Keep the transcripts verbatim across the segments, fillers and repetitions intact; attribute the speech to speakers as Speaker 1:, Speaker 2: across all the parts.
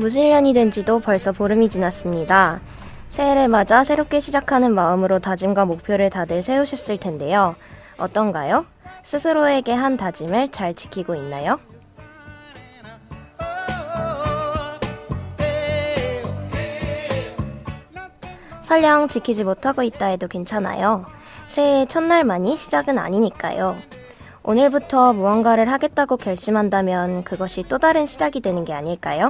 Speaker 1: 무슨 년이 된 지도 벌써 보름이 지났습니다. 새해를 맞아 새롭게 시작하는 마음으로 다짐과 목표를 다들 세우셨을 텐데요. 어떤가요? 스스로에게 한 다짐을 잘 지키고 있나요? 설령 지키지 못하고 있다 해도 괜찮아요. 새해의 첫날만이 시작은 아니니까요. 오늘부터 무언가를 하겠다고 결심한다면 그것이 또 다른 시작이 되는 게 아닐까요?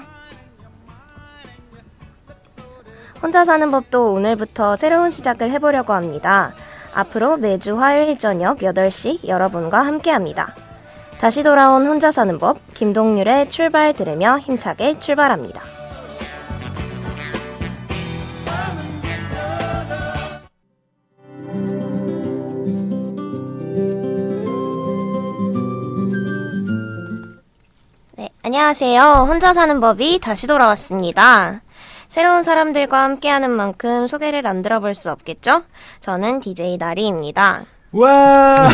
Speaker 1: 혼자 사는 법도 오늘부터 새로운 시작을 해보려고 합니다. 앞으로 매주 화요일 저녁 여덟 시 여러분과 함께합니다. 다시 돌아온 혼자 사는 법, 김동률의 출발 들으며 힘차게 출발합니다. 네, 안녕하세요. 혼자 사는 법이 다시 돌아왔습니다. 새로운 사람들과 함께하는 만큼 소개를 안 들어볼 수 없겠죠? 저는 디제이 나리입니다.
Speaker 2: 와!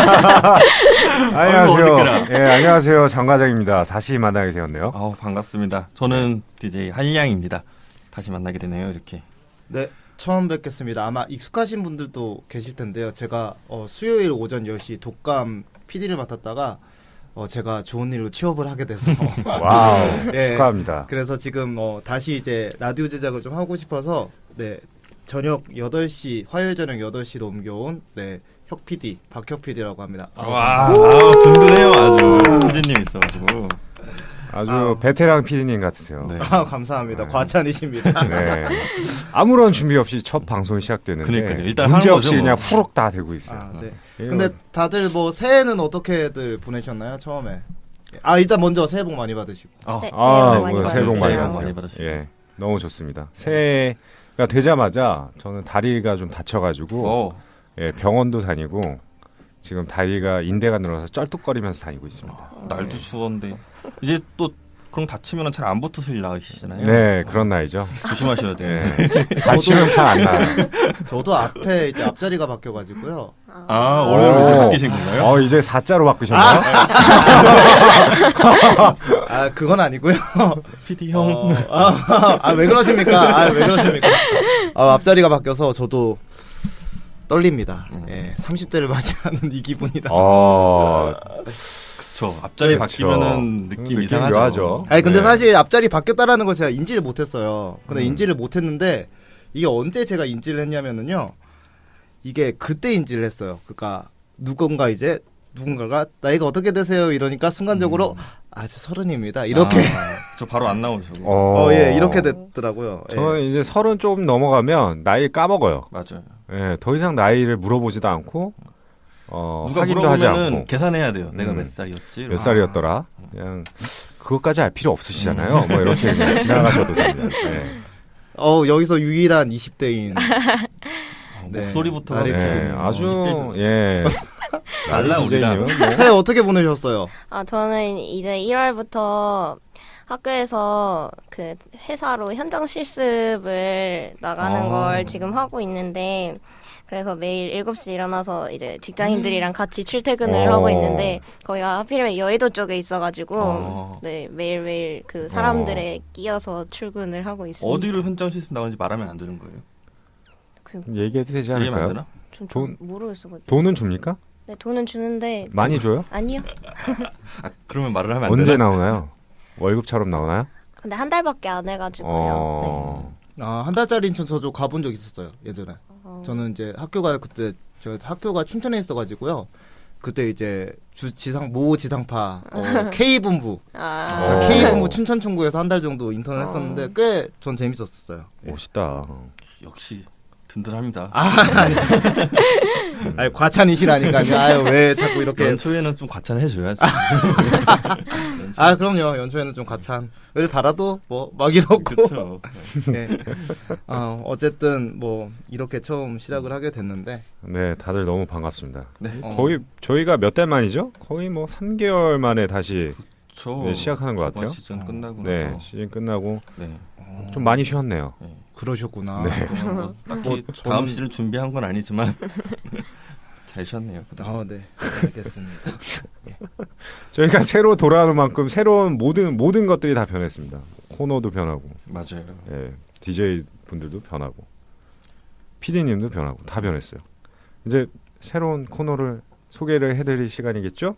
Speaker 2: 안녕하세요. 예, 안녕하세요. 장 과장입니다. 다시 만나게 되었네요.
Speaker 3: 아우, 반갑습니다. 저는 디제이 한량입니다. 다시 만나게 되네요, 이렇게.
Speaker 4: 네, 처음 뵙겠습니다. 아마 익숙하신 분들도 계실 텐데요. 제가 어, 수요일 오전 열 시 독감 피디를 맡았다가 어, 제가 좋은 일로 취업을 하게 돼서
Speaker 2: 와우,
Speaker 4: 네,
Speaker 2: 축하합니다.
Speaker 4: 그래서 지금 어, 다시 이제 라디오 제작을 좀 하고 싶어서 네, 저녁 여덟 시 화요일 저녁 여덟 시로 옮겨온 네, 혁 피디 박혁 피디라고 합니다.
Speaker 3: 와, 아우, 든든해요. 아주 피디님 있어가지고
Speaker 2: 아주
Speaker 4: 아우.
Speaker 2: 베테랑 피디님 같으세요.
Speaker 3: 네.
Speaker 4: 아, 감사합니다.
Speaker 2: 네.
Speaker 4: 과찬이십니다.
Speaker 2: 네. 아무런 준비 없이 첫 방송이 시작되는데
Speaker 3: 그러니까요. 일단
Speaker 2: 문제
Speaker 3: 하는
Speaker 2: 없이
Speaker 3: 거죠,
Speaker 2: 그냥
Speaker 3: 뭐.
Speaker 2: 후룩 다 되고 있어요.
Speaker 4: 아, 네.
Speaker 2: 이거
Speaker 4: 근데 다들 뭐 새해는 어떻게들 보내셨나요? 처음에. 아, 일단 먼저 새해 복 많이 받으시고.
Speaker 3: 어,
Speaker 1: 네,
Speaker 2: 아,
Speaker 1: 새해 복 많이
Speaker 2: 뭐, 새해 복 많이
Speaker 3: 새해 복
Speaker 2: 받으세요.
Speaker 3: 많이 받으시고.
Speaker 2: 예, 너무 좋습니다. 새해가 되자마자 저는 다리가 좀 다쳐가지고
Speaker 3: 어,
Speaker 2: 예, 병원도 다니고 지금 다리가 인대가 늘어서 쩔뚝거리면서 다니고 있습니다.
Speaker 3: 날도 추웠는데 이제 또 그럼 다치면 잘 안 붙으실 나이시잖아요.
Speaker 2: 네, 그런 나이죠.
Speaker 3: 조심하셔야 돼요.
Speaker 2: 예. 다치면 잘 안 나요.
Speaker 4: 저도 앞에 이제 앞자리가 바뀌어가지고요.
Speaker 3: 아, 오늘 이제
Speaker 2: 오.
Speaker 3: 바뀌신 건가요?
Speaker 2: 어, 이제 사자로 바꾸셨나요?
Speaker 4: 아, 그건 아니고요.
Speaker 3: 피디 형.
Speaker 4: 어, 아, 아, 왜 그러십니까? 아, 왜 그러십니까? 아, 앞자리가 바뀌어서 저도 떨립니다.
Speaker 3: 음.
Speaker 4: 예, 삼십 대를 맞이하는 이 기분이다.
Speaker 2: 어,
Speaker 3: 그쵸. 앞자리
Speaker 2: 그쵸.
Speaker 3: 바뀌면은 느낌
Speaker 2: 느낌
Speaker 3: 이상하죠.
Speaker 2: 묘하죠.
Speaker 4: 아니, 근데
Speaker 2: 네.
Speaker 4: 사실 앞자리 바뀌었다라는 걸 제가 인지를 못했어요. 근데
Speaker 2: 음.
Speaker 4: 인지를 못했는데 이게 언제 제가 인지를 했냐면은요. 이게 그때 인지를 했어요. 그러니까 누군가 이제 누군가가 나이가 어떻게 되세요? 이러니까 순간적으로
Speaker 3: 음.
Speaker 4: 아, 저 서른입니다. 이렇게
Speaker 3: 아, 저 바로 안 나오죠.
Speaker 2: 어,
Speaker 4: 어, 예, 이렇게 됐더라고요. 예.
Speaker 2: 저는 이제 서른 좀 넘어가면 나이 까먹어요.
Speaker 3: 맞아요.
Speaker 2: 예, 더 이상 나이를 물어보지도 않고 어,
Speaker 3: 누가
Speaker 2: 확인도 하지
Speaker 3: 물어보면은
Speaker 2: 않고
Speaker 3: 계산해야 돼요. 내가
Speaker 2: 음.
Speaker 3: 몇 살이었지?
Speaker 2: 몇 살이었더라. 그냥 그것까지 알 필요 없으시잖아요. 뭐 이렇게 그냥 지나가셔도 됩니다. 예.
Speaker 4: 어, 여기서 유일한 이십 대인
Speaker 3: 어,
Speaker 4: 네.
Speaker 3: 목소리부터
Speaker 4: 나리
Speaker 2: 예,
Speaker 4: 피디님.
Speaker 2: 아주 예.
Speaker 3: 달라, 우리랑.
Speaker 2: 디제이님은 뭐
Speaker 4: 새해 어떻게 보내셨어요?
Speaker 1: 아, 저는 이제 일월부터 학교에서 그 회사로 현장 실습을 나가는
Speaker 3: 아.
Speaker 1: 걸 지금 하고 있는데, 그래서 매일 일곱 시 일어나서 이제 직장인들이랑 같이 출퇴근을
Speaker 2: 어.
Speaker 1: 하고 있는데, 거기가 하필이면 여의도 쪽에 있어가지고,
Speaker 3: 어.
Speaker 1: 네, 매일매일 그 사람들에 끼어서 출근을 하고 있습니다.
Speaker 3: 어디로 현장 실습 나가는지 말하면 안 되는 거예요?
Speaker 1: 그,
Speaker 2: 얘기해도 되지
Speaker 3: 얘기하면 안
Speaker 2: 않을까요?
Speaker 3: 되나?
Speaker 1: 좀,
Speaker 2: 돈-
Speaker 1: 좀 모르겠어가지고.
Speaker 2: 돈은 줍니까?
Speaker 1: 네, 돈은 주는데,
Speaker 2: 많이 줘요?
Speaker 1: 아니요.
Speaker 3: 아, 그러면 말을 하면 안
Speaker 2: 언제
Speaker 3: 되나?
Speaker 2: 나오나요? 월급처럼 나오나요?
Speaker 1: 근데 한 달밖에 안 해가지고요.
Speaker 2: 어.
Speaker 4: 아, 한 달짜리 인천 저도 가본 적 있었어요. 예전에.
Speaker 1: 어.
Speaker 4: 저는 이제 학교가 그때 저 학교가 춘천에 있어가지고요. 그때 이제 주 지상 모 지상파 어, K 본부
Speaker 1: 아,
Speaker 2: 어.
Speaker 4: K 본부 춘천 총구에서 한 달 정도 인턴을
Speaker 1: 어.
Speaker 4: 했었는데 꽤 전 재밌었어요. 예.
Speaker 2: 멋있다.
Speaker 3: 역시 든든합니다.
Speaker 4: 아, 아니, 아니 과찬이시라니까요. 아유 왜 자꾸 이렇게?
Speaker 3: 연초에는 좀 과찬해줘야지.
Speaker 4: 아 그럼요. 연초에는 좀 과찬을 달아도 뭐 막 이렇고.
Speaker 3: 그렇죠.
Speaker 4: 네. 어, 어쨌든 뭐 이렇게 처음 시작을 하게 됐는데
Speaker 2: 네, 다들 너무 반갑습니다.
Speaker 3: 네.
Speaker 4: 어,
Speaker 2: 거의 저희가 몇 달 만이죠? 거의 뭐 삼 개월 만에 다시
Speaker 3: 저
Speaker 2: 네, 시작하는 것 같아요.
Speaker 3: 시즌 끝나고
Speaker 2: 네,
Speaker 3: 나서
Speaker 2: 시즌 끝나고
Speaker 3: 네.
Speaker 2: 좀 많이 쉬었네요.
Speaker 4: 그러셨구나.
Speaker 2: 네.
Speaker 3: 뭐, 딱히
Speaker 4: 뭐
Speaker 3: 다음
Speaker 4: 저는-
Speaker 3: 시즌 준비한 건 아니지만 잘 쉬었네요. 그동안.
Speaker 4: 아, 네. 알겠습니다.
Speaker 2: 저희가 새로 돌아오는 만큼 새로운 모든 모든 것들이 다 변했습니다. 코너도 변하고,
Speaker 3: 맞아요.
Speaker 2: 예, 디제이 분들도 변하고, 피디님도 변하고 다 변했어요. 이제 새로운 코너를 소개를 해드릴 시간이겠죠?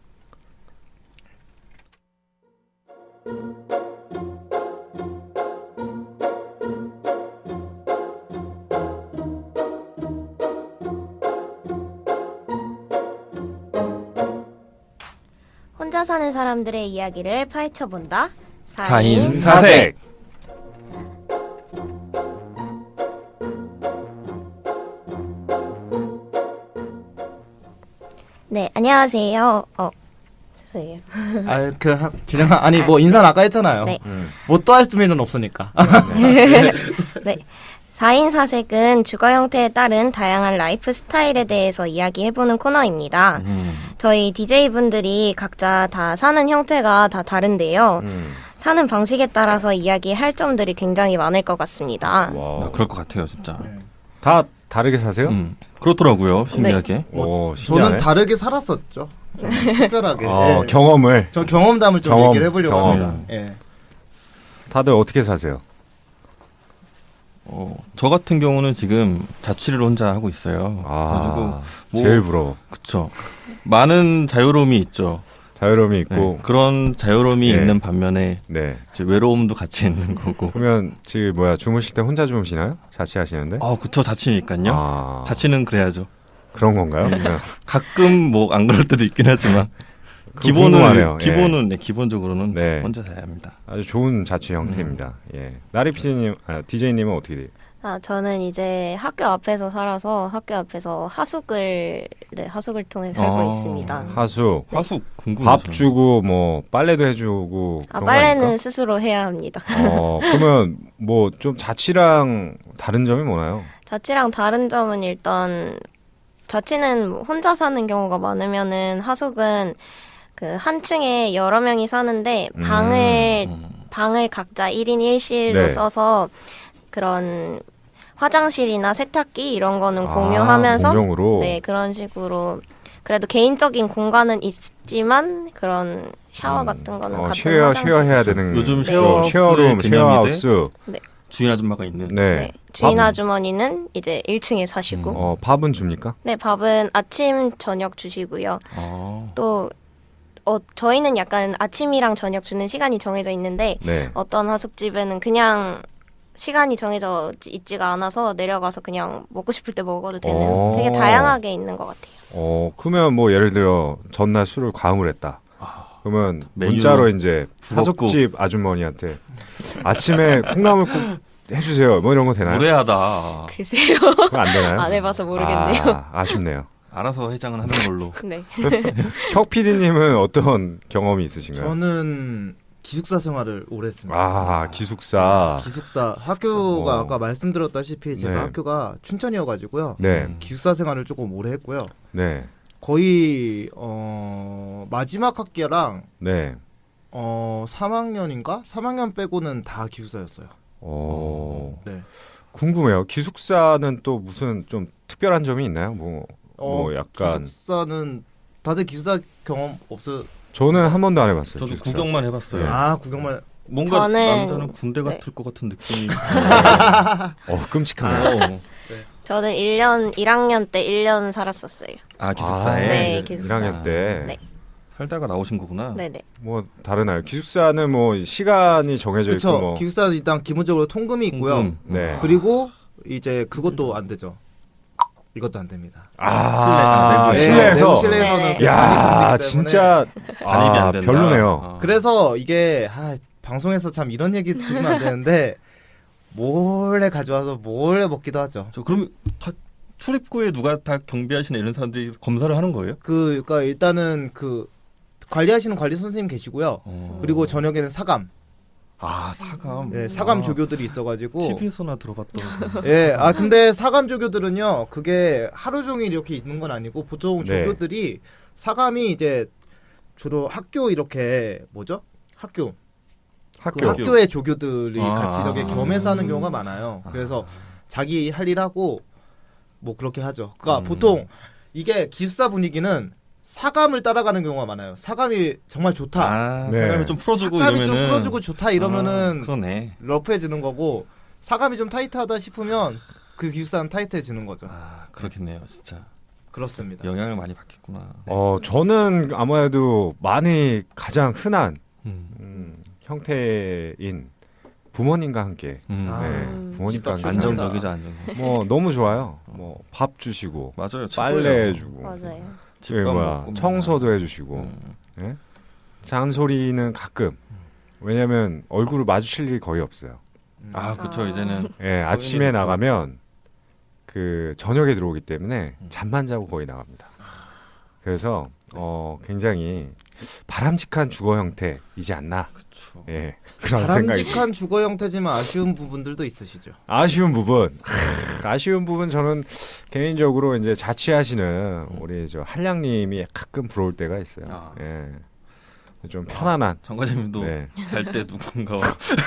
Speaker 1: 혼자 사는 사람들의 이야기를 파헤쳐본다.
Speaker 3: 사인
Speaker 2: 사색.
Speaker 1: 네, 안녕하세요. 어, 죄송해요.
Speaker 4: 아그 준영아 아니 뭐 인사는 아까 했잖아요.
Speaker 1: 네.
Speaker 2: 음.
Speaker 4: 뭐 또 할 수는 없으니까.
Speaker 1: 네. 사인 사색은 주거 형태에 따른 다양한 라이프 스타일에 대해서 이야기해보는 코너입니다.
Speaker 3: 음.
Speaker 1: 저희 디제이분들이 각자 다 사는 형태가 다 다른데요.
Speaker 2: 음.
Speaker 1: 사는 방식에 따라서 이야기할 점들이 굉장히 많을 것 같습니다.
Speaker 2: 와.
Speaker 3: 아, 그럴 것 같아요, 진짜.
Speaker 2: 다 다르게 사세요?
Speaker 3: 음. 그렇더라고요, 신기하게.
Speaker 2: 오, 신기하네.
Speaker 4: 저는 다르게 살았었죠. 저는 특별하게.
Speaker 2: 어,
Speaker 4: 예.
Speaker 2: 경험을
Speaker 4: 저 경험담을 좀
Speaker 2: 경험,
Speaker 4: 얘기를 해보려고
Speaker 2: 경험.
Speaker 4: 합니다. 예.
Speaker 2: 다들 어떻게 사세요?
Speaker 3: 어, 저 같은 경우는 지금 자취를 혼자 하고 있어요. 그래가지고
Speaker 2: 아,
Speaker 3: 뭐,
Speaker 2: 제일 부러워.
Speaker 3: 그쵸. 많은 자유로움이 있죠.
Speaker 2: 자유로움이 있고.
Speaker 3: 네, 그런 자유로움이
Speaker 2: 예.
Speaker 3: 있는 반면에
Speaker 2: 네.
Speaker 3: 이제 외로움도 같이 있는 거고.
Speaker 2: 그러면 지금 뭐야 주무실 때 혼자 주무시나요? 자취하시는데?
Speaker 3: 아, 그쵸. 자취니까요.
Speaker 2: 아,
Speaker 3: 자취는 그래야죠.
Speaker 2: 그런 건가요? 그냥
Speaker 3: 가끔 뭐 안 그럴 때도 있긴 하지만
Speaker 2: 그거
Speaker 3: 기본은
Speaker 2: 궁금하네요. 예.
Speaker 3: 기본은 네, 기본적으로는
Speaker 2: 네.
Speaker 3: 혼자 자야 합니다.
Speaker 2: 아주 좋은 자취 형태입니다. 예. 나리 피디님, 아, 디제이님은 어떻게 돼요?
Speaker 1: 아, 저는 이제 학교 앞에서 살아서 학교 앞에서 하숙을, 네, 하숙을 통해 살고
Speaker 3: 아.
Speaker 1: 있습니다.
Speaker 2: 하숙,
Speaker 3: 화숙 궁금해요.
Speaker 2: 밥 주고 뭐 빨래도 해주고
Speaker 1: 아,
Speaker 2: 그런 거
Speaker 1: 빨래는
Speaker 2: 아닙니까?
Speaker 1: 스스로 해야 합니다.
Speaker 2: 어, 그러면 뭐 좀 자취랑 다른 점이 뭐나요?
Speaker 1: 자취랑 다른 점은 일단 자취는 혼자 사는 경우가 많으면은 하숙은 그 한 층에 여러 명이 사는데
Speaker 2: 음,
Speaker 1: 방을
Speaker 3: 음.
Speaker 1: 방을 각자 일 인 일 실로
Speaker 2: 네.
Speaker 1: 써서 그런 화장실이나 세탁기 이런 거는
Speaker 2: 아,
Speaker 1: 공유하면서
Speaker 2: 공용으로?
Speaker 1: 네, 그런 식으로 그래도 개인적인 공간은 있지만 그런 샤워 같은 거는
Speaker 2: 어,
Speaker 1: 같은
Speaker 2: 쉐어,
Speaker 1: 화장실.
Speaker 2: 쉐어 해야 되는
Speaker 3: 요즘
Speaker 1: 네.
Speaker 3: 쉐어하우스의
Speaker 2: 쉐어룸,
Speaker 3: 개념이
Speaker 2: 쉐어하우스.
Speaker 3: 주인 아줌마가 있는.
Speaker 2: 네.
Speaker 1: 네. 주인
Speaker 2: 밥,
Speaker 1: 아주머니는 이제 일 층에 사시고
Speaker 2: 어, 밥은 줍니까?
Speaker 1: 네, 밥은 아침 저녁 주시고요.
Speaker 3: 아.
Speaker 1: 또 어, 저희는 약간 아침이랑 저녁 주는 시간이 정해져 있는데
Speaker 2: 네.
Speaker 1: 어떤 하숙집에는 그냥 시간이 정해져 있지가 않아서 내려가서 그냥 먹고 싶을 때 먹어도 되는
Speaker 2: 오.
Speaker 1: 되게 다양하게 있는 것 같아요.
Speaker 2: 어, 그러면 뭐 예를 들어 전날 술을 과음을 했다. 그러면
Speaker 3: 메뉴로
Speaker 2: 문자로 이제
Speaker 3: 부겁고.
Speaker 2: 사족집 아주머니한테 아침에 콩나물 국 해주세요. 뭐 이런 거 되나요?
Speaker 1: 아.
Speaker 3: 무례하다.
Speaker 1: 글쎄요.
Speaker 2: 그거 안 되나요?
Speaker 1: 안 해봐서 모르겠네요.
Speaker 2: 아, 아쉽네요.
Speaker 3: 알아서 해장은 하는 걸로.
Speaker 1: 네.
Speaker 2: 혁 피디님은 어떤 경험이 있으신가요?
Speaker 4: 저는 기숙사 생활을 오래 했습니다.
Speaker 2: 아, 기숙사.
Speaker 4: 기숙사 학교가
Speaker 2: 어.
Speaker 4: 아까 말씀드렸다시피 제가
Speaker 2: 네.
Speaker 4: 학교가 춘천이어가지고요.
Speaker 2: 네,
Speaker 3: 음.
Speaker 4: 기숙사 생활을 조금 오래 했고요.
Speaker 2: 네,
Speaker 4: 거의 어, 마지막 학기랑
Speaker 2: 네.
Speaker 4: 어, 삼 학년인가? 삼 학년 빼고는 다 기숙사였어요.
Speaker 2: 어,
Speaker 4: 네.
Speaker 2: 궁금해요. 기숙사는 또 무슨 좀 특별한 점이 있나요? 뭐,
Speaker 4: 어,
Speaker 2: 뭐 약간
Speaker 4: 기숙사는 다들 기숙사 경험 없어?
Speaker 2: 저는 한 번도 안 해봤어요.
Speaker 3: 저도
Speaker 2: 기숙사.
Speaker 3: 구경만 해봤어요.
Speaker 2: 네.
Speaker 4: 아 구경만.
Speaker 3: 뭔가
Speaker 1: 저는-
Speaker 3: 남자는 군대
Speaker 1: 네.
Speaker 3: 같을 것 같은 느낌이.
Speaker 2: 어, 끔찍하네요.
Speaker 3: 어.
Speaker 1: 저는 일 년 일 학년 때 일 년 살았었어요.
Speaker 3: 아 기숙사에.
Speaker 1: 네, 기숙사.
Speaker 2: 일 학년 때.
Speaker 1: 네.
Speaker 3: 살다가 나오신 거구나.
Speaker 1: 네네.
Speaker 2: 뭐 다르나요? 기숙사는 뭐 시간이 정해져
Speaker 4: 그렇죠.
Speaker 2: 있고 뭐.
Speaker 4: 기숙사는 일단 기본적으로 통금이 있고요.
Speaker 3: 통금.
Speaker 2: 네.
Speaker 4: 그리고 이제 그것도 안 되죠. 이것도 안 됩니다.
Speaker 2: 아,
Speaker 3: 실내- 아,
Speaker 2: 실내에서.
Speaker 4: 네, 내부 실내에서는
Speaker 1: 네.
Speaker 4: 그게
Speaker 2: 야,
Speaker 4: 반입이 되기 때문에
Speaker 2: 진짜
Speaker 3: 반입이
Speaker 2: 아,
Speaker 3: 안 된다.
Speaker 2: 별로네요.
Speaker 3: 아.
Speaker 4: 그래서 이게 아, 방송에서 참 이런 얘기 들으면 안 되는데 몰래 가져와서 몰래 먹기도 하죠.
Speaker 3: 저 그럼 다 출입구에 누가 다 경비하시는 이런 사람들이 검사를 하는 거예요?
Speaker 4: 그 그러니까 일단은 그 관리하시는 관리 선생님 계시고요.
Speaker 3: 어.
Speaker 4: 그리고 저녁에는 사감,
Speaker 3: 아 사감.
Speaker 4: 예, 사감
Speaker 3: 아,
Speaker 4: 조교들이 있어가지고.
Speaker 3: 티비에서나 들어봤던.
Speaker 4: 예, 아 근데 사감 조교들은요, 그게 하루 종일 이렇게 있는 건 아니고 보통
Speaker 2: 네.
Speaker 4: 조교들이 사감이 이제 주로 학교 이렇게 뭐죠? 학교
Speaker 2: 학교.
Speaker 4: 그 학교의 조교들이
Speaker 3: 아.
Speaker 4: 같이 이렇게 겸해서 하는 경우가
Speaker 3: 음.
Speaker 4: 많아요. 그래서 자기 할 일 하고 뭐 그렇게 하죠. 그러니까
Speaker 3: 음.
Speaker 4: 보통 이게 기숙사 분위기는 사감을 따라가는 경우가 많아요. 사감이 정말 좋다.
Speaker 3: 아,
Speaker 2: 네.
Speaker 3: 사람을 좀 풀어주고
Speaker 4: 사감이
Speaker 3: 이러면은
Speaker 4: 좀 풀어주고 좋다 이러면은
Speaker 3: 아, 그러네.
Speaker 4: 러프해지는 거고 사감이 좀 타이트하다 싶으면 그 기숙사는 타이트해지는 거죠.
Speaker 3: 아, 그렇겠네요, 진짜.
Speaker 4: 그렇습니다.
Speaker 3: 영향을 많이 받겠구나.
Speaker 2: 어 저는 아무래도 많이 가장 흔한
Speaker 3: 음.
Speaker 2: 음, 형태인 부모님과 함께
Speaker 3: 음.
Speaker 4: 아,
Speaker 2: 네, 부모님과 함께
Speaker 4: 집합
Speaker 2: 사는
Speaker 3: 안정적이죠, 안정적.
Speaker 2: 뭐 너무 좋아요. 뭐 밥 주시고
Speaker 3: 맞아요.
Speaker 2: 빨래
Speaker 3: 최고예요.
Speaker 2: 해주고
Speaker 1: 맞아요.
Speaker 2: 예,
Speaker 3: 집밥
Speaker 2: 뭐야
Speaker 3: 먹고
Speaker 2: 청소도 해주시고
Speaker 3: 음.
Speaker 2: 예? 잔소리는 가끔 왜냐면 얼굴을 마주칠 일이 거의 없어요.
Speaker 3: 아, 그렇죠.
Speaker 1: 아.
Speaker 3: 이제는
Speaker 2: 예, 아침에
Speaker 3: 있고.
Speaker 2: 나가면 그 저녁에 들어오기 때문에
Speaker 3: 음.
Speaker 2: 잠만 자고 거의 나갑니다. 그래서 어 굉장히 바람직한 주거 형태이지 않나.
Speaker 3: 그렇죠.
Speaker 2: 예, 그런 생각이.
Speaker 4: 바람직한 주거 형태지만 아쉬운 부분들도 있으시죠.
Speaker 2: 아쉬운 부분, 아쉬운 부분 저는 개인적으로 이제 자취하시는 우리 저 한량님이 가끔 부러울 때가 있어요.
Speaker 3: 아.
Speaker 2: 예, 좀 편안한.
Speaker 3: 정과장님도
Speaker 2: 네.
Speaker 3: 잘 때 누군가와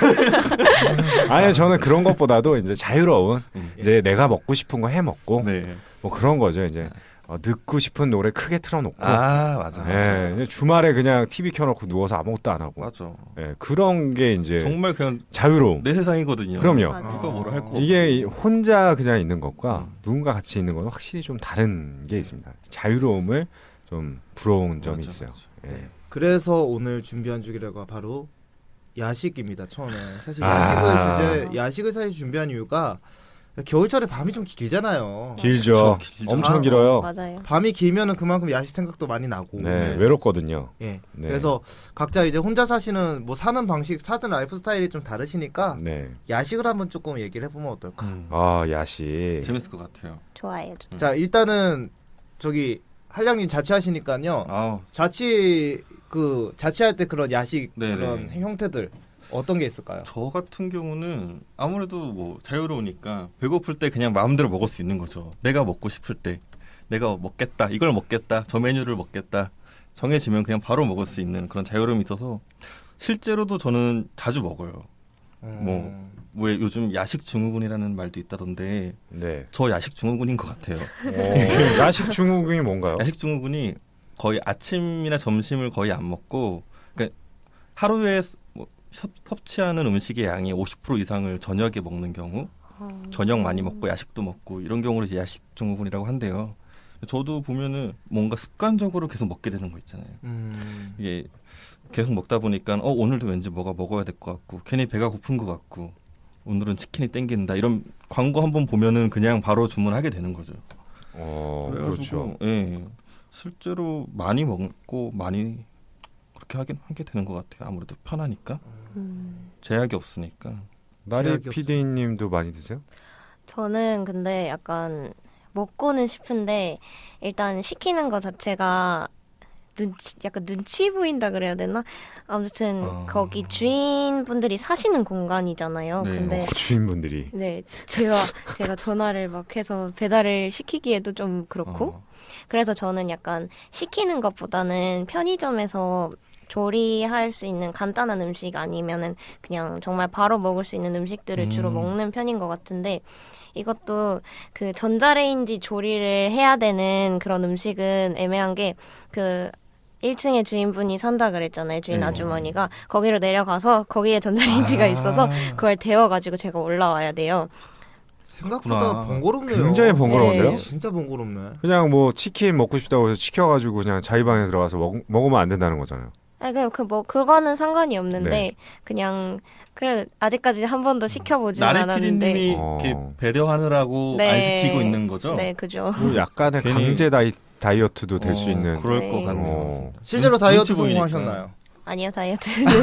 Speaker 2: 아니 저는 그런 것보다도 이제 자유로운
Speaker 3: 음.
Speaker 2: 이제 내가 먹고 싶은 거 해 먹고
Speaker 3: 네.
Speaker 2: 뭐 그런 거죠. 이제 어, 듣고 싶은 노래 크게 틀어놓고.
Speaker 3: 아, 맞아.
Speaker 2: 예,
Speaker 3: 맞아.
Speaker 2: 이제 주말에 그냥 티비 켜놓고 누워서 아무것도 안 하고.
Speaker 3: 맞아.
Speaker 2: 예, 그런 게 이제
Speaker 3: 정말 그냥
Speaker 2: 자유로움.
Speaker 3: 내 세상이거든요.
Speaker 2: 그럼요.
Speaker 1: 맞아.
Speaker 3: 누가 뭐라 할 거.
Speaker 2: 이게 이- 혼자 그냥 있는 것과
Speaker 3: 음.
Speaker 2: 누군가 같이 있는 건 확실히 좀 다른 게 있습니다. 자유로움을 좀 부러운 점이
Speaker 3: 맞아,
Speaker 2: 있어요.
Speaker 3: 맞아.
Speaker 2: 예.
Speaker 4: 그래서 오늘 준비한 주기가 바로 야식입니다. 처음에 사실
Speaker 2: 아.
Speaker 4: 야식을 주제 야식을 사실 준비한 이유가 겨울철에 밤이 좀 길잖아요.
Speaker 2: 길죠.
Speaker 3: 그쵸, 길죠.
Speaker 2: 엄청
Speaker 4: 아,
Speaker 2: 길어요.
Speaker 1: 맞아요.
Speaker 4: 밤이 길면은 그만큼 야식 생각도 많이 나고.
Speaker 2: 네,
Speaker 3: 네.
Speaker 2: 외롭거든요.
Speaker 4: 예.
Speaker 2: 네.
Speaker 4: 그래서 각자 이제 혼자 사시는 뭐 사는 방식, 사는 라이프 스타일이 좀 다르시니까
Speaker 2: 네.
Speaker 4: 야식을 한번 조금 얘기를 해보면 어떨까.
Speaker 3: 음.
Speaker 2: 아 야식.
Speaker 3: 재밌을 것 같아요.
Speaker 1: 좋아요.
Speaker 3: 음.
Speaker 4: 자 일단은 저기 한량님 자취하시니까요.
Speaker 3: 아우,
Speaker 4: 자취 그 자취할 때 그런 야식
Speaker 3: 네네.
Speaker 4: 그런 형태들 어떤 게 있을까요?
Speaker 3: 저 같은 경우는 아무래도 뭐 자유로우니까 배고플 때 그냥 마음대로 먹을 수 있는 거죠. 내가 먹고 싶을 때 내가 먹겠다, 이걸 먹겠다, 저 메뉴를 먹겠다 정해지면 그냥 바로 먹을 수 있는 그런 자유로움이 있어서 실제로도 저는 자주 먹어요. 뭐, 뭐 요즘 야식 증후군이라는 말도 있다던데
Speaker 2: 네.
Speaker 3: 저 야식 증후군인 것 같아요.
Speaker 2: 어, 야식 증후군이 뭔가요?
Speaker 3: 야식 증후군이 거의 아침이나 점심을 거의 안 먹고, 그러니까 하루에 뭐 섭- 섭취하는 음식의 양이 오십 퍼센트 이상을 저녁에 먹는 경우, 저녁 많이 먹고 야식도 먹고 이런 경우를 이제 야식 증후군이라고 한대요. 저도 보면은 뭔가 습관적으로 계속 먹게 되는 거 있잖아요.
Speaker 4: 음.
Speaker 3: 이게 계속 먹다 보니까 어 오늘도 왠지 뭐가 먹어야 될 것 같고 괜히 배가 고픈 것 같고 오늘은 치킨이 땡긴다 이런 광고 한번 보면은 그냥 바로 주문하게 되는 거죠.
Speaker 2: 어,
Speaker 3: 그래가지고,
Speaker 2: 그렇죠.
Speaker 3: 예, 실제로 많이 먹고 많이 그렇게 하긴 하게 되는 것 같아요. 아무래도 편하니까
Speaker 1: 음.
Speaker 3: 제약이 없으니까.
Speaker 2: 나리
Speaker 4: 제약이
Speaker 2: 피디님도 많이 드세요?
Speaker 1: 저는 근데 약간 먹고는 싶은데 일단 시키는 거 자체가 눈치 약간 눈치 보인다 그래야 되나? 아무튼
Speaker 3: 아.
Speaker 1: 거기 주인분들이 사시는 공간이잖아요.
Speaker 3: 네.
Speaker 1: 근데
Speaker 2: 어, 주인분들이.
Speaker 1: 네 제가 제가 전화를 막 해서 배달을 시키기에도 좀 그렇고
Speaker 3: 어,
Speaker 1: 그래서 저는 약간 시키는 것보다는 편의점에서 조리할 수 있는 간단한 음식 아니면은 그냥 정말 바로 먹을 수 있는 음식들을 주로
Speaker 3: 음.
Speaker 1: 먹는 편인 것 같은데 이것도 그 전자레인지 조리를 해야 되는 그런 음식은 애매한 게 그 일 층에 주인분이 산다 그랬잖아요. 주인
Speaker 3: 네.
Speaker 1: 아주머니가 거기로 내려가서 거기에 전자레인지가
Speaker 3: 아.
Speaker 1: 있어서 그걸 데워가지고 제가 올라와야 돼요.
Speaker 4: 생각보다
Speaker 3: 그렇구나.
Speaker 4: 번거롭네요.
Speaker 2: 굉장히 번거로운데요?
Speaker 1: 네.
Speaker 4: 진짜 번거롭네.
Speaker 2: 그냥 뭐 치킨 먹고 싶다고 해서 시켜가지고 그냥 자기 방에 들어가서 먹, 먹으면 안 된다는 거잖아요.
Speaker 1: 아니 그냥 그 뭐 그거는 상관이 없는데
Speaker 2: 네.
Speaker 1: 그냥 그래 아직까지 한 번도 시켜보진
Speaker 3: 나리
Speaker 1: 않았는데
Speaker 3: 피디님이
Speaker 2: 어.
Speaker 3: 이렇게 배려하느라고
Speaker 1: 네.
Speaker 3: 안 시키고 있는 거죠?
Speaker 1: 네 그죠.
Speaker 2: 뭐 약간의
Speaker 3: 괜히-
Speaker 2: 강제 다이, 다이어트도 될 수
Speaker 3: 어,
Speaker 2: 있는.
Speaker 3: 그럴
Speaker 1: 네.
Speaker 3: 것 같네요.
Speaker 2: 어.
Speaker 4: 실제로
Speaker 3: 눈-
Speaker 4: 다이어트
Speaker 3: 눈치 보이니까.
Speaker 4: 성공하셨나요?
Speaker 1: 아니요 다이어트는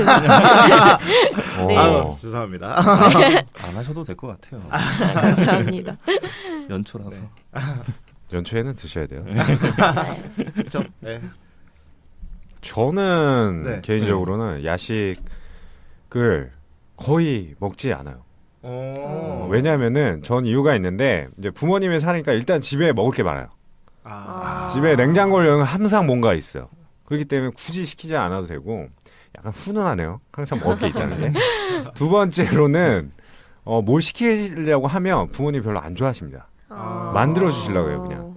Speaker 2: 어.
Speaker 1: 네.
Speaker 4: 아유, 죄송합니다.
Speaker 3: 안 하셔도 될 것 같아요.
Speaker 1: 감사합니다.
Speaker 3: 연초라서.
Speaker 2: 연초에는 드셔야 돼요.
Speaker 4: 그렇죠. 네.
Speaker 2: 저는
Speaker 4: 네.
Speaker 2: 개인적으로는 야식을 거의 먹지 않아요.
Speaker 4: 어.
Speaker 2: 왜냐하면은 전 이유가 있는데 이제 부모님이 사니까 일단 집에 먹을 게 많아요.
Speaker 4: 아.
Speaker 1: 아.
Speaker 2: 집에 냉장고에 항상 뭔가 있어요. 그렇기 때문에 굳이 시키지 않아도 되고 약간 훈훈하네요. 항상 먹을 게 있다는 게. 두 번째로는 어, 뭘 시키려고 하면 부모님 별로 안 좋아하십니다.
Speaker 1: 아.
Speaker 2: 만들어 주시려고 해요, 그냥.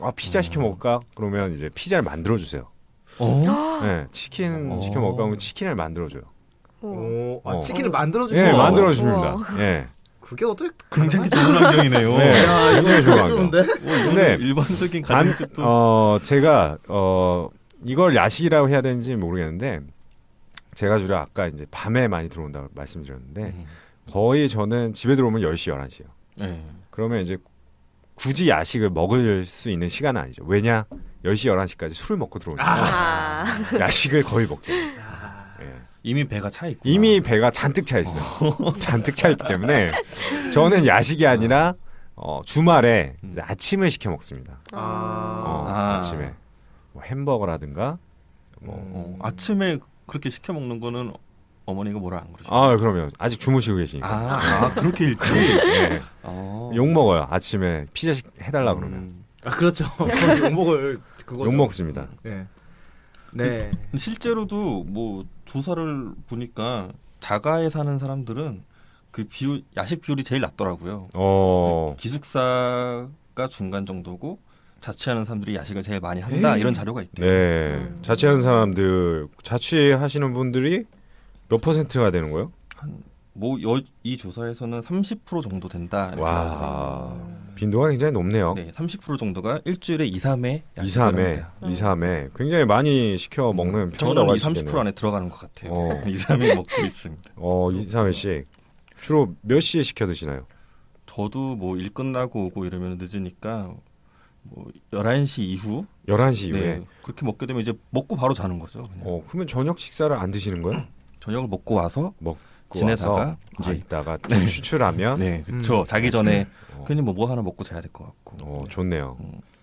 Speaker 2: 아 피자 시켜 먹을까? 그러면 이제 피자를 만들어 주세요.
Speaker 3: 어?
Speaker 2: 네, 치킨
Speaker 3: 어.
Speaker 2: 시켜 먹을까 하면 치킨을 만들어 줘요.
Speaker 4: 오, 아,
Speaker 2: 어.
Speaker 4: 치킨을 만들어
Speaker 2: 예,
Speaker 4: 주시는
Speaker 2: 네,
Speaker 4: 거예요?
Speaker 2: 만들어 줍니다.
Speaker 1: 우와.
Speaker 2: 예.
Speaker 4: 그게 어떻게
Speaker 3: 굉장히 좋은 환경이네요.
Speaker 2: 네.
Speaker 4: 야, 이거
Speaker 2: 굉장히 좋아요.
Speaker 4: 좋은데?
Speaker 2: 근데
Speaker 3: 일반적인
Speaker 2: 단,
Speaker 3: 가정집도
Speaker 2: 어 제가 어 이걸 야식이라고 해야 되는지 모르겠는데 제가 주로 아까 이제 밤에 많이 들어온다고 말씀드렸는데
Speaker 3: 음.
Speaker 2: 거의 저는 집에 들어오면 열 시, 열한 시요.
Speaker 3: 네.
Speaker 2: 그러면 이제 굳이 야식을 먹을 수 있는 시간은 아니죠. 왜냐? 열 시, 열한 시까지 술을 먹고 들어오니까
Speaker 1: 아.
Speaker 2: 야식을 거의 먹죠.
Speaker 4: 아,
Speaker 2: 예.
Speaker 3: 이미 배가 차 있고
Speaker 2: 이미 배가 잔뜩 차 있어요. 잔뜩 차 있기 때문에 저는 야식이 아니라 어, 주말에
Speaker 3: 음.
Speaker 2: 이제 아침을 시켜 먹습니다.
Speaker 4: 아.
Speaker 2: 어,
Speaker 3: 아.
Speaker 2: 아침에 뭐 햄버거라든가 뭐
Speaker 3: 어, 아침에 그렇게 시켜 먹는 거는 어머니가 뭐라 안 그러시나요?
Speaker 2: 아 그러면 아직 주무시고 계시니까
Speaker 3: 아, 아 그렇게 일찍
Speaker 2: 예.
Speaker 3: 어.
Speaker 2: 욕 먹어요. 아침에 피자 시- 해달라 그러면
Speaker 3: 음.
Speaker 4: 아 그렇죠. 그건 욕먹을 그거죠.
Speaker 2: 욕 먹습니다.
Speaker 4: 네. 네.
Speaker 3: 실제로도 뭐 조사를 보니까 자가에 사는 사람들은 그 비율 야식 비율이 제일 낮더라고요.
Speaker 2: 어
Speaker 3: 기숙사가 중간 정도고 자취하는 사람들이 야식을 제일 많이 한다
Speaker 2: 에이.
Speaker 3: 이런 자료가 있대요.
Speaker 2: 네.
Speaker 1: 음.
Speaker 2: 자취하는 사람들 자취하시는 분들이 몇 퍼센트가 되는 거예요?
Speaker 3: 뭐이 조사에서는 삼십 퍼센트 정도 된다 이렇게 나오더라고요.
Speaker 2: 와 빈도가 굉장히 높네요.
Speaker 3: 네, 삼십 퍼센트 정도가 일주일에 이, 삼 회
Speaker 2: 이, 삼 회, 이, 삼 회 굉장히 많이 시켜 먹는 편이라고
Speaker 3: 저는
Speaker 2: 할
Speaker 3: 이,
Speaker 2: 수
Speaker 3: 삼십
Speaker 2: 있겠네요.
Speaker 3: 퍼센트 안에 들어가는 것 같아요.
Speaker 2: 어.
Speaker 3: 이, 삼 회 먹고 있습니다.
Speaker 2: 어, 이, 삼 회씩 주로 몇 시에 시켜 드시나요?
Speaker 3: 저도 뭐 일 끝나고 오고 이러면 늦으니까 뭐 열한 시 이후
Speaker 2: 열한 시 이후에.
Speaker 3: 네, 그렇게 먹게 되면 이제 먹고 바로 자는 거죠. 그냥.
Speaker 2: 어, 그러면 저녁 식사를 안 드시는 거예요?
Speaker 3: 저녁을 먹고 와서
Speaker 2: 먹고
Speaker 3: 지내다가
Speaker 2: 와서
Speaker 3: 이제
Speaker 2: 아, 이따가 좀 추출하면
Speaker 3: 네, 그렇죠.
Speaker 4: 음.
Speaker 3: 자기 전에
Speaker 2: 어,
Speaker 3: 괜히 뭐 뭐 하나 먹고 자야 될 것 같고.
Speaker 2: 어, 좋네요.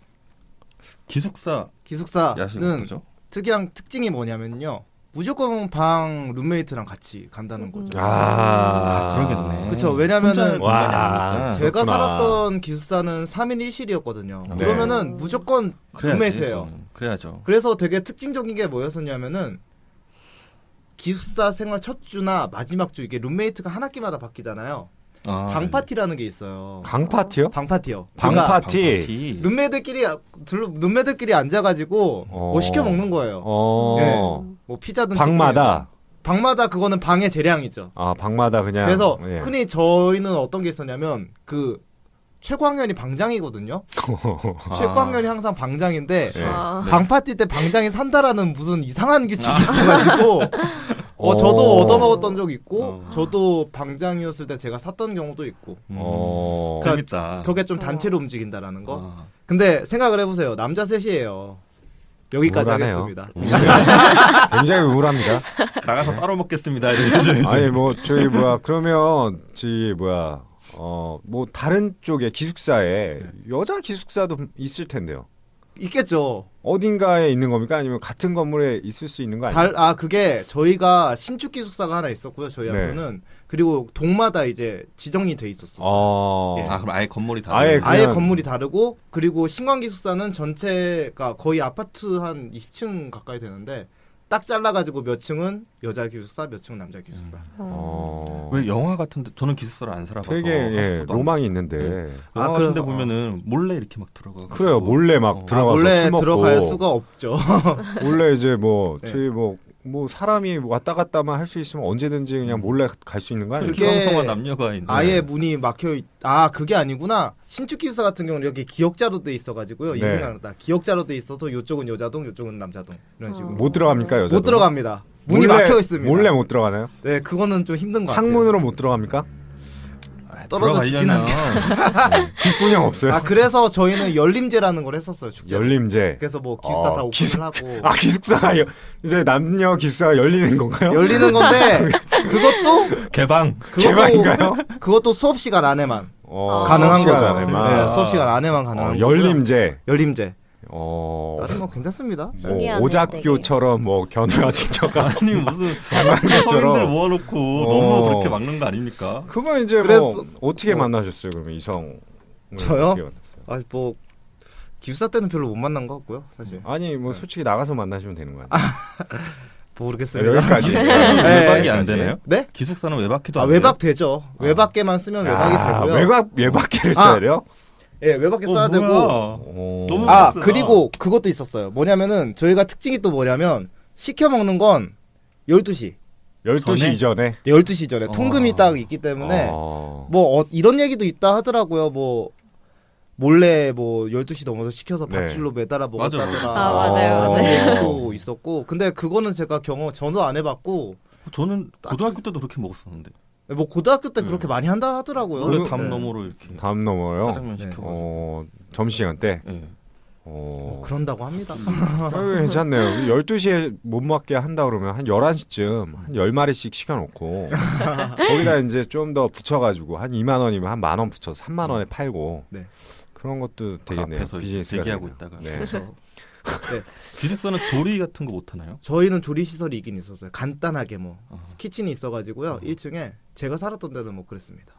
Speaker 3: 기숙사 야식
Speaker 4: 기숙사는
Speaker 3: 어떠죠?
Speaker 4: 특이한 특징이 뭐냐면요. 무조건 방 룸메이트랑 같이 간다는 거죠.
Speaker 2: 아,
Speaker 3: 아, 그러겠네.
Speaker 4: 그쵸. 왜냐면은
Speaker 2: 와,
Speaker 3: 와,
Speaker 4: 제가
Speaker 2: 그렇구나.
Speaker 4: 살았던 기숙사는 삼 인 일 실이었거든요.
Speaker 3: 네.
Speaker 4: 그러면은 무조건 룸메이트예요.
Speaker 3: 그래야죠.
Speaker 4: 그래서 되게 특징적인 게 뭐였었냐면은 기숙사 생활 첫 주나 마지막 주 이게 룸메이트가 한 학기마다 바뀌잖아요.
Speaker 3: 아,
Speaker 4: 방 파티라는 게 있어요.
Speaker 2: 방 파티요?
Speaker 4: 방 파티요.
Speaker 2: 방
Speaker 4: 그러니까
Speaker 2: 파티.
Speaker 3: 파티.
Speaker 4: 룸메들끼리 둘 룸메들끼리 앉아가지고
Speaker 2: 어.
Speaker 4: 뭐 시켜 먹는 거예요.
Speaker 2: 어.
Speaker 4: 네. 뭐 피자든
Speaker 2: 방마다
Speaker 4: 치킨이든. 방마다 그거는 방의 재량이죠.
Speaker 2: 아, 방마다 그냥
Speaker 4: 그래서
Speaker 2: 예.
Speaker 4: 흔히 저희는 어떤 게 있었냐면 그 최고학년이 방장이거든요.
Speaker 3: 아.
Speaker 4: 최고학년이 항상 방장인데
Speaker 2: 네.
Speaker 1: 아.
Speaker 4: 방 파티 때 방장이 산다라는 무슨 이상한 규칙이 있어가지고 어 저도
Speaker 2: 어.
Speaker 4: 얻어먹었던 적 있고
Speaker 3: 어.
Speaker 4: 저도 방장이었을 때 제가 샀던 경우도 있고
Speaker 2: 어.
Speaker 4: 자,
Speaker 3: 재밌다.
Speaker 4: 그렇게 좀 단체로 움직인다라는 거.
Speaker 3: 아.
Speaker 4: 근데 생각을 해보세요. 남자 셋이에요. 여기까지
Speaker 2: 우울하네요.
Speaker 4: 하겠습니다.
Speaker 2: 굉장히 우울합니다.
Speaker 3: 나가서 따로 먹겠습니다. 이러죠.
Speaker 2: 아니 뭐 저희 뭐야 그러면 저희 뭐야 어 뭐 다른 쪽에 기숙사에 여자 기숙사도 있을 텐데요.
Speaker 4: 있겠죠.
Speaker 2: 어딘가에 있는 겁니까? 아니면 같은 건물에 있을 수 있는 거 아니에요?
Speaker 4: 달, 아 그게 저희가 신축 기숙사가 하나 있었고요. 저희
Speaker 2: 네.
Speaker 4: 학교는 그리고 동마다 이제 지정이 돼 있었어요.
Speaker 2: 어.
Speaker 4: 예.
Speaker 3: 아 그럼 아예 건물이 다.
Speaker 2: 아예
Speaker 4: 아예
Speaker 2: 그냥-
Speaker 4: 건물이 다르고 그리고 신광 기숙사는 전체가 거의 아파트 한 이십 층 가까이 되는데 딱 잘라가지고 몇 층은 여자 기숙사, 몇 층은 남자 기숙사.
Speaker 2: 어.
Speaker 3: 왜 영화 같은데 저는 기숙사를 안 살아봐서
Speaker 2: 되게 예,
Speaker 3: 하수도 안-
Speaker 2: 로망이 있는데
Speaker 3: 네.
Speaker 4: 아,
Speaker 3: 영화 같은데
Speaker 4: 그래서-
Speaker 3: 보면은 몰래 이렇게 막 들어가.
Speaker 2: 그래요 몰래 막
Speaker 3: 어.
Speaker 4: 아,
Speaker 2: 들어가서
Speaker 4: 원래
Speaker 2: 술 먹고
Speaker 4: 들어갈 수가 없죠.
Speaker 2: 원래 이제 뭐
Speaker 4: 네.
Speaker 2: 저희 뭐 뭐 사람이 왔다 갔다만 할 수 있으면 언제든지 그냥 몰래 갈 수 있는 거 아니에요?
Speaker 4: 그게
Speaker 3: 불광성한 남녀가 있는.
Speaker 4: 아예 문이 막혀 있... 아 그게 아니구나. 신축 기숙사 같은 경우는 여기 기역자로 돼 있어가지고요. 이
Speaker 2: 네.
Speaker 4: 생각났다. 기역자로 돼 있어서 이쪽은 여자동, 이쪽은 남자동 이런 식으로.
Speaker 2: 못 들어갑니까 여자?
Speaker 4: 못 들어갑니다. 문이
Speaker 2: 몰래-
Speaker 4: 막혀 있습니다.
Speaker 2: 몰래 못 들어가나요?
Speaker 4: 네, 그거는 좀 힘든 것 같아요.
Speaker 2: 창문으로 못 들어갑니까?
Speaker 4: 떨어져 죽긴
Speaker 3: 들어가려면
Speaker 2: 뒷분형 없어요?
Speaker 4: 아 그래서 저희는 열림제라는 걸 했었어요. 축제.
Speaker 2: 열림제.
Speaker 4: 그래서 뭐 기숙사
Speaker 2: 어,
Speaker 4: 다 오픈을
Speaker 2: 기숙-
Speaker 4: 하고
Speaker 2: 아 기숙사가 여- 이제 남녀 기숙사가 열리는 건가요?
Speaker 4: 열리는 건데 그것도
Speaker 3: 개방.
Speaker 4: 그것도
Speaker 2: 개방인가요?
Speaker 4: 그것도 수업 시간 안에만
Speaker 2: 어,
Speaker 4: 가능한
Speaker 2: 수업 시간
Speaker 4: 거죠.
Speaker 2: 안에만.
Speaker 4: 네, 수업 시간 안에만 가능한
Speaker 2: 어,
Speaker 4: 거고요.
Speaker 2: 열림제.
Speaker 4: 열림제.
Speaker 2: 어.
Speaker 4: 나중에 뭐 괜찮습니다.
Speaker 2: 뭐
Speaker 1: 신기하네요,
Speaker 2: 오작교처럼 뭐 겨누라 친척가
Speaker 3: 아니 무슨
Speaker 2: 것처럼.
Speaker 3: 성인들 모아놓고
Speaker 2: 어.
Speaker 3: 너무 그렇게 막는 거 아닙니까?
Speaker 2: 그러면 이제
Speaker 4: 그래서-
Speaker 2: 뭐 어떻게
Speaker 4: 어.
Speaker 2: 만나셨어요? 그러면 이성
Speaker 4: 저요? 아 뭐 기숙사 때는 별로 못 만난 것 같고요, 사실.
Speaker 2: 아니 뭐 솔직히 나가서 만나시면 되는 거 아니에요?
Speaker 4: 모르겠습니다.
Speaker 2: 여기까지.
Speaker 3: 기숙사는
Speaker 4: 네.
Speaker 3: 외박이 안 되나요?
Speaker 4: 네?
Speaker 3: 기숙사는 외박해도
Speaker 4: 아
Speaker 3: 안
Speaker 4: 외박 되죠. 외박계만 쓰면 외박이
Speaker 2: 아,
Speaker 4: 되고요.
Speaker 2: 외박 외박계를
Speaker 4: 아.
Speaker 2: 써야 돼요?
Speaker 4: 예, 외박기 써야
Speaker 3: 어,
Speaker 4: 되고.
Speaker 3: 뭐야.
Speaker 2: 어.
Speaker 3: 너무
Speaker 4: 아,
Speaker 3: 빡세다.
Speaker 4: 그리고 그것도 있었어요. 뭐냐면은 저희가 특징이 또 뭐냐면 시켜 먹는 건 열두 시.
Speaker 2: 열두 시
Speaker 3: 전에?
Speaker 2: 이전에
Speaker 4: 열두 시 전에
Speaker 3: 어.
Speaker 4: 통금이 딱 있기 때문에
Speaker 2: 어.
Speaker 4: 뭐 어, 이런 얘기도 있다 하더라고요. 뭐 몰래 뭐 열두 시 넘어서 시켜서
Speaker 2: 네.
Speaker 4: 밧줄로 매달아
Speaker 3: 맞아,
Speaker 4: 먹었다더라.
Speaker 1: 아, 맞아요,
Speaker 2: 어.
Speaker 4: 하는
Speaker 1: 맞아요.
Speaker 4: 얘기도 있었고. 근데 그거는 제가 경험 저도 안 해봤고
Speaker 3: 저는 고등학교 때도 그렇게 먹었었는데
Speaker 4: 뭐 고등학교 때
Speaker 3: 음.
Speaker 4: 그렇게 많이 한다 하더라고요.
Speaker 3: 원래
Speaker 2: 그-
Speaker 3: 담
Speaker 4: 네.
Speaker 3: 너머로 이렇게
Speaker 2: 담 넘어요.
Speaker 3: 짜장면
Speaker 4: 네.
Speaker 3: 시켜가지고.
Speaker 2: 어, 점심시간 때.
Speaker 3: 예.
Speaker 2: 어.
Speaker 4: 뭐 그런다고 합니다.
Speaker 2: 아, 괜찮네요. 열두 시에 못 맞게 한다 그러면 한 열한 시쯤 한 열 마리씩 시켜놓고 거기다 이제 좀 더 붙여가지고 한 이만 원이면 한 만 원 붙여서 삼만 원에 팔고
Speaker 4: 네.
Speaker 2: 그런 것도
Speaker 3: 그
Speaker 2: 되겠네요.
Speaker 3: 앞에서 이제
Speaker 2: 비즈니스가
Speaker 3: 대기하고
Speaker 2: 되네요.
Speaker 3: 있다가
Speaker 2: 네.
Speaker 3: 그래서
Speaker 4: 네.
Speaker 3: 기숙사는 조리 같은 거 못 하나요?
Speaker 4: 저희는 조리 시설이 있긴 있었어요. 간단하게 뭐
Speaker 3: 어.
Speaker 4: 키친이 있어가지고요.
Speaker 3: 어.
Speaker 4: 일 층에 제가 살았던 데는 뭐 그랬습니다.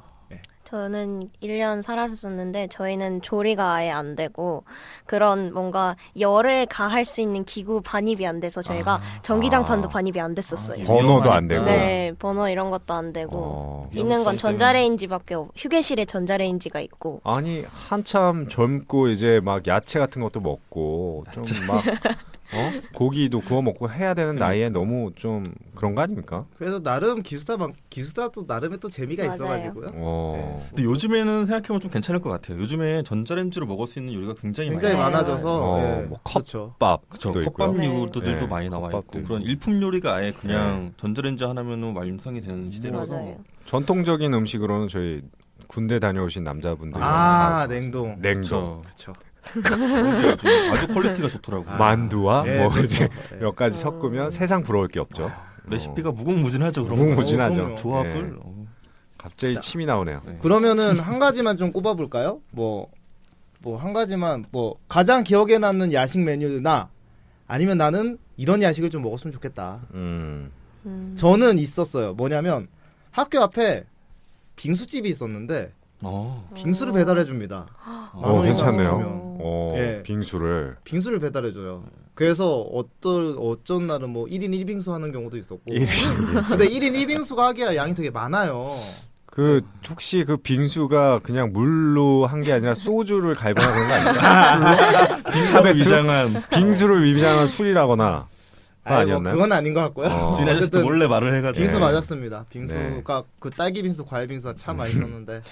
Speaker 1: 저는 일 년 살았었는데 저희는 조리가 아예 안 되고 그런 뭔가 열을 가할 수 있는 기구 반입이 안 돼서 저희가
Speaker 3: 아.
Speaker 1: 전기장판도
Speaker 2: 아.
Speaker 1: 반입이 안 됐었어요.
Speaker 3: 아,
Speaker 2: 번호도 안 되고.
Speaker 1: 네, 번호 이런 것도 안 되고
Speaker 2: 어.
Speaker 1: 있는 건
Speaker 3: 위험성
Speaker 1: 전자레인지밖에 없. 휴게실에 전자레인지가 있고.
Speaker 2: 아니 한참 젊고 이제 막 야채 같은 것도 먹고 좀 막 어? 고기도 구워 먹고 해야 되는 나이에 너무 좀 그런 거 아닙니까?
Speaker 4: 그래서 나름 기숙사만 기숙사도 나름의 또 재미가
Speaker 1: 맞아요.
Speaker 4: 있어가지고요.
Speaker 2: 어.
Speaker 3: 근데 요즘에는 생각해보면 좀 괜찮을 것 같아요. 요즘에 전자레인지로 먹을 수 있는 요리가 굉장히,
Speaker 4: 굉장히
Speaker 3: 많아요.
Speaker 4: 많아져서
Speaker 2: 어,
Speaker 4: 예,
Speaker 2: 뭐 컵.
Speaker 4: 그렇죠.
Speaker 2: 밥
Speaker 3: 그쵸.
Speaker 2: 도 있고요.
Speaker 3: 컵밥류들도
Speaker 2: 네.
Speaker 3: 많이 나와 있고
Speaker 2: 컵밥도
Speaker 3: 그런
Speaker 2: 있고.
Speaker 3: 일품 요리가 아예 그냥 전자레인지 하나면 완성이 되는 시대라서
Speaker 1: 맞아요.
Speaker 2: 전통적인 음식으로는 저희 군대 다녀오신 남자분들
Speaker 4: 아 냉동.
Speaker 2: 냉동,
Speaker 3: 그쵸.
Speaker 4: 그렇죠.
Speaker 3: 요즘 아주 퀄리티가 좋더라고요.
Speaker 2: 만두와
Speaker 4: 예,
Speaker 2: 뭐
Speaker 4: 그렇죠.
Speaker 2: 이제
Speaker 4: 예.
Speaker 2: 몇 가지 섞으면 세상 부러울 게 없죠.
Speaker 3: 레시피가 무궁무진하죠. 그런
Speaker 2: 무궁무진하죠.
Speaker 3: 거.
Speaker 4: 그럼요.
Speaker 3: 조합을.
Speaker 2: 네.
Speaker 3: 어.
Speaker 2: 갑자기
Speaker 4: 자.
Speaker 2: 침이 나오네요.
Speaker 3: 네.
Speaker 4: 그러면은 한 가지만 좀 꼽아볼까요? 뭐 뭐 한 가지만 뭐 가장 기억에 남는 야식 메뉴나 아니면 나는 이런 야식을 좀 먹었으면 좋겠다.
Speaker 2: 음.
Speaker 1: 음.
Speaker 4: 저는 있었어요. 뭐냐면 학교 앞에 빙수집이 있었는데
Speaker 3: 어.
Speaker 4: 빙수를 배달해 줍니다.
Speaker 2: 어,
Speaker 4: 원이나
Speaker 2: 괜찮네요.
Speaker 4: 쓰면.
Speaker 2: 어,
Speaker 4: 예.
Speaker 2: 빙수를
Speaker 4: 빙수를 배달해 줘요. 그래서 어떤 어쩐 날은 뭐 일 인 일 빙수 하는 경우도 있었고.
Speaker 2: 일 인
Speaker 4: 근데 일 인 일 빙수가 하기야 양이 되게 많아요.
Speaker 2: 그 혹시 그 빙수가 그냥 물로 한 게 아니라 소주를 갈거나 그런 거 아니에요?
Speaker 3: 빙수를 위장한
Speaker 2: 빙수를 위장한 술이라거나 그거
Speaker 4: 아니, 뭐
Speaker 2: 아니었나요?
Speaker 4: 그건 아닌 것 같고요.
Speaker 2: 어.
Speaker 3: 주인 아저씨도
Speaker 4: 어쨌든
Speaker 3: 몰래 말을 해가지고
Speaker 4: 빙수
Speaker 2: 네.
Speaker 4: 맞았습니다. 빙수가 그 딸기 빙수, 과일 빙수가 참 맛있었는데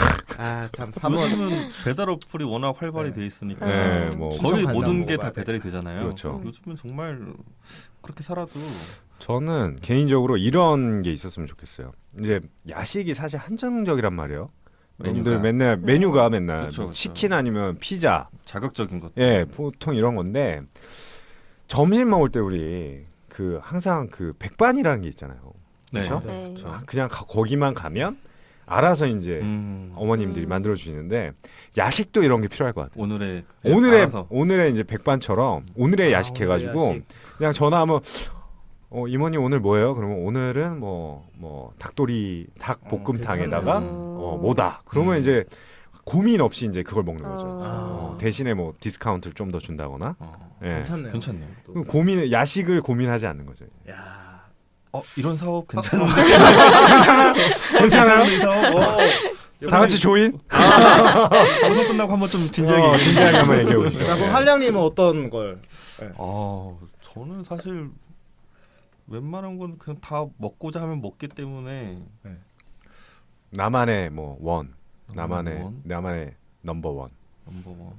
Speaker 4: 아 참 한번
Speaker 3: 요즘은 배달 어플이 워낙 활발히
Speaker 4: 네.
Speaker 3: 돼 있으니까
Speaker 2: 네, 뭐
Speaker 3: 거의
Speaker 4: 추천
Speaker 3: 모든
Speaker 4: 간장
Speaker 3: 게 다
Speaker 4: 먹어봐야
Speaker 3: 배달이 되잖아요.
Speaker 2: 그렇죠.
Speaker 3: 요즘은 정말 그렇게 살아도
Speaker 2: 저는 개인적으로 이런 게 있었으면 좋겠어요. 이제 야식이 사실 한정적이란 말이에요. 여러분들
Speaker 3: 메뉴가.
Speaker 2: 맨날 메뉴가 맨날
Speaker 3: 그쵸,
Speaker 2: 뭐
Speaker 3: 그쵸.
Speaker 2: 치킨 아니면 피자,
Speaker 3: 자극적인 것.
Speaker 2: 예, 보통 이런 건데 점심 먹을 때 우리 그 항상 그 백반이라는 게 있잖아요.
Speaker 3: 네.
Speaker 2: 그쵸?
Speaker 1: 네.
Speaker 3: 그렇죠.
Speaker 2: 아, 그냥 가- 거기만 가면 알아서 이제
Speaker 3: 음,
Speaker 2: 어머님들이
Speaker 1: 음.
Speaker 2: 만들어 주시는데 야식도 이런 게 필요할 것 같아요.
Speaker 3: 오늘의
Speaker 2: 오늘의
Speaker 3: 알아서.
Speaker 2: 오늘의 이제 백반처럼 오늘의
Speaker 4: 아,
Speaker 2: 야식 해가지고
Speaker 4: 오늘의 야식.
Speaker 2: 그냥 전화하면 어 이모님 오늘 뭐예요? 그러면 오늘은 뭐 뭐 닭도리 닭 볶음탕에다가
Speaker 1: 괜찮네.
Speaker 2: 어 뭐다. 그러면
Speaker 3: 음.
Speaker 2: 이제 고민 없이 이제 그걸 먹는 거죠.
Speaker 1: 어.
Speaker 2: 어, 대신에 뭐 디스카운트를 좀 더 준다거나.
Speaker 3: 어,
Speaker 2: 예.
Speaker 4: 괜찮네요.
Speaker 3: 괜찮네요.
Speaker 4: 또.
Speaker 2: 그럼 고민 야식을 고민하지 않는 거죠.
Speaker 4: 야.
Speaker 3: 어 이런 사업 괜찮은데
Speaker 2: 괜찮아요?
Speaker 3: 이 사업 어,
Speaker 2: 다 같이 조인?
Speaker 3: 방송 끝나고 한번 좀 진지하게
Speaker 2: 어,
Speaker 3: 얘기해
Speaker 2: 진지하게 한번 얘기해 보시죠.
Speaker 4: 자 그럼 한량님은 어떤 걸?
Speaker 3: 아, 저는 사실 웬만한 건 그냥 다 먹고자 하면 먹기 때문에
Speaker 2: 나만의 뭐 원, 나만의
Speaker 3: 원,
Speaker 2: 나만의 넘버 원.
Speaker 3: 넘버원.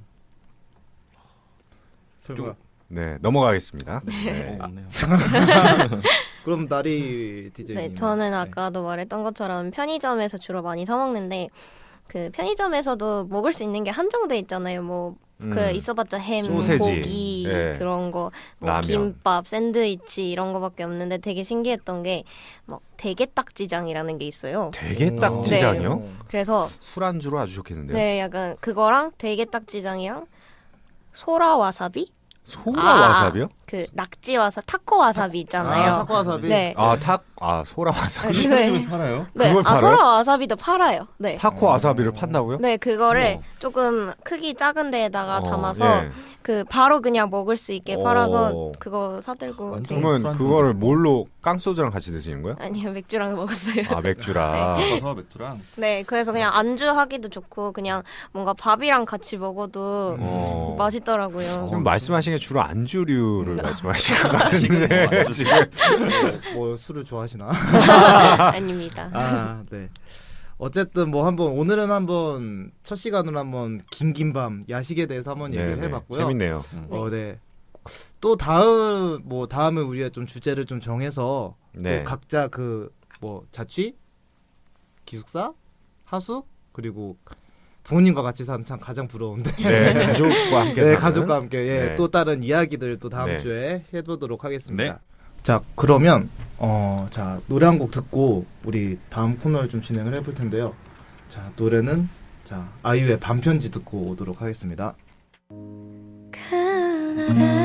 Speaker 4: 설마.
Speaker 2: 네 넘어가겠습니다.
Speaker 3: 어,
Speaker 2: 네.
Speaker 3: 없네요.
Speaker 4: 그럼 나리 디제이님.
Speaker 1: 네, 저는 아까도 말했던 것처럼 편의점에서 주로 많이 사 먹는데 그 편의점에서도 먹을 수 있는 게 한정돼 있잖아요. 뭐 그
Speaker 2: 음.
Speaker 1: 있어봤자 햄,
Speaker 2: 소세지,
Speaker 1: 고기
Speaker 2: 예.
Speaker 1: 그런 거, 뭐
Speaker 2: 라면.
Speaker 1: 김밥, 샌드위치 이런 거밖에 없는데 되게 신기했던 게 뭐 대게딱지장이라는 게 있어요.
Speaker 2: 되게
Speaker 4: 오.
Speaker 2: 딱지장이요?
Speaker 4: 네.
Speaker 1: 그래서
Speaker 2: 술안주로 아주 좋겠는데요.
Speaker 1: 네, 약간 그거랑 대게딱지장이랑 소라 와사비
Speaker 2: 소라
Speaker 1: 아,
Speaker 2: 와사비요?
Speaker 1: 그 낙지 와사 타코 와사비 있잖아요.
Speaker 4: 아, 타코 와사비.
Speaker 1: 네.
Speaker 2: 아, 탁, 아, 소라 와사비.
Speaker 1: 네.
Speaker 3: 시장에서 팔아요?
Speaker 1: 네.
Speaker 2: 그걸
Speaker 1: 아,
Speaker 2: 팔아요?
Speaker 1: 소라 와사비도 팔아요. 네.
Speaker 2: 타코 와사비를 판다고요?
Speaker 1: 네, 그거를
Speaker 2: 어.
Speaker 1: 조금 크기 작은 데에다가
Speaker 2: 어,
Speaker 1: 담아서
Speaker 2: 예.
Speaker 1: 그 바로 그냥 먹을 수 있게
Speaker 2: 어.
Speaker 1: 팔아서 그거 사들고
Speaker 3: 완전
Speaker 1: 되게-
Speaker 2: 그러면
Speaker 3: 술한
Speaker 2: 그거를
Speaker 3: 잔.
Speaker 2: 뭘로 깡소주랑 같이 드시는 거예요?
Speaker 1: 아니요, 맥주랑 먹었어요.
Speaker 2: 아, 맥주랑.
Speaker 3: 섞어서 맥주랑.
Speaker 1: 네, 그래서 그냥 안주 하기도 좋고 그냥 뭔가 밥이랑 같이 먹어도
Speaker 2: 어.
Speaker 1: 맛있더라고요.
Speaker 2: 지금 말씀하신 게 주로 안주류를 말씀하신 것 같은데
Speaker 3: 맞아.
Speaker 2: 지금
Speaker 4: 뭐 술을 좋아하시나?
Speaker 1: 아닙니다.
Speaker 4: 아, 네. 어쨌든 뭐 한번 오늘은 한번 첫 시간으로 한번 긴긴밤 야식에 대해서 한번 얘기를
Speaker 2: 네네,
Speaker 4: 해봤고요.
Speaker 2: 재밌네요.
Speaker 3: 음.
Speaker 4: 어, 네. 또 다음 뭐 다음에 우리가 좀 주제를 좀 정해서
Speaker 2: 네.
Speaker 4: 또 각자 그 뭐 자취, 기숙사, 하숙 그리고 부모님과 같이 사는 참 가장 부러운데.
Speaker 2: 네, 가족과 함께
Speaker 4: 네,
Speaker 2: 사는.
Speaker 4: 가족과 함께 예,
Speaker 2: 네.
Speaker 4: 또 다른 이야기들 또 다음
Speaker 2: 네.
Speaker 4: 주에 해보도록 하겠습니다.
Speaker 3: 네.
Speaker 4: 자, 그러면 어, 자 노래 한 곡 듣고 우리 다음 코너를 좀 진행을 해볼 텐데요. 자, 노래는 자 아이유의 반편지 듣고 오도록 하겠습니다.
Speaker 1: 그날의